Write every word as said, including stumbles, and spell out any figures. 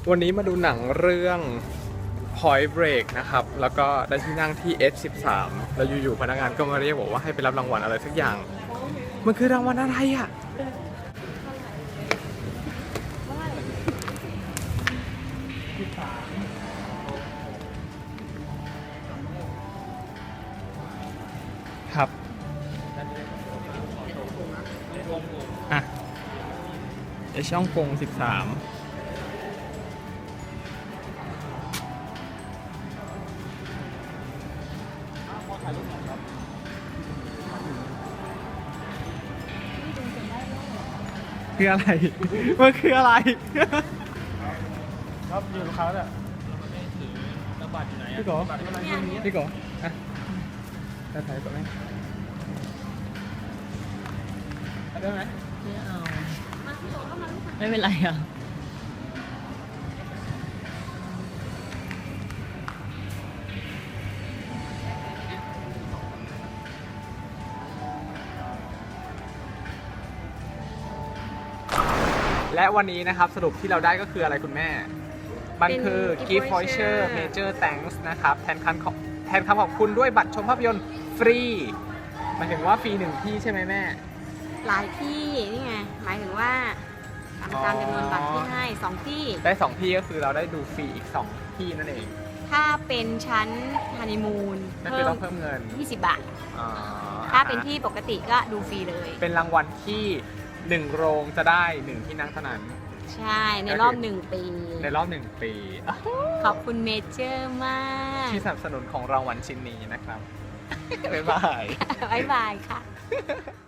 วันนี้มาดูหนังเรื่อง Point Break นะครับ แล้วก็ได้ที่นั่งที่ เอส สิบสาม แล้วอยู่ๆพนักงานก็มาเรียกบอกว่าให้ไปรับรางวัลอะไรสักอย่าง มันคือรางวัลอะไรอ่ะ ครับอ่ะไอช่องกงสิบสามคืออะไร มันคืออะไรครับอยู่กับเขาเนี่ยแล้วบัตรอยู่ไหนอ่ะพี่โกบัตรอะไรอยู่นี่พี่โกอ่ะจะถ่ายตัวไหมได้ไหมไม่เอา ไม่เป็นไรอ่ะและวันนี้นะครับสรุปที่เราได้ก็คืออะไรคุณแม่ มันคือเป็น Gift gift voucher voucher major thanks นะครับแทนคำขอบแทนคำขอบคุณด้วยบัตรชมภาพยนตร์ฟรีหมายถึงว่าฟรีหนึ่งที่ใช่ไหมแม่หลายที่นี่ไงหมายถึงว่าตามตามจำนวนบัตรที่ให้สองที่ได้สองที่ก็คือเราได้ดูฟรีอีกสองที่นั่นเองถ้าเป็นชั้นฮันนีมูนนั่นคือต้องเพิ่มเงินยี่สิบบาทอ๋อถ้าเป็นที่ปกติก็ดูฟรีเลยเป็นรางวัลที่หนึ่งโรงจะได้หนึ่งที่นั่งเท่านั้นใช่ในรอบหนึ่งปีในรอบหนึ่งปีขอบคุณเมเจอร์มากที่สนับสนุนของรางวัลชิ้นนี้นะครับ บ๊ายบายบ๊ายบายค่ะ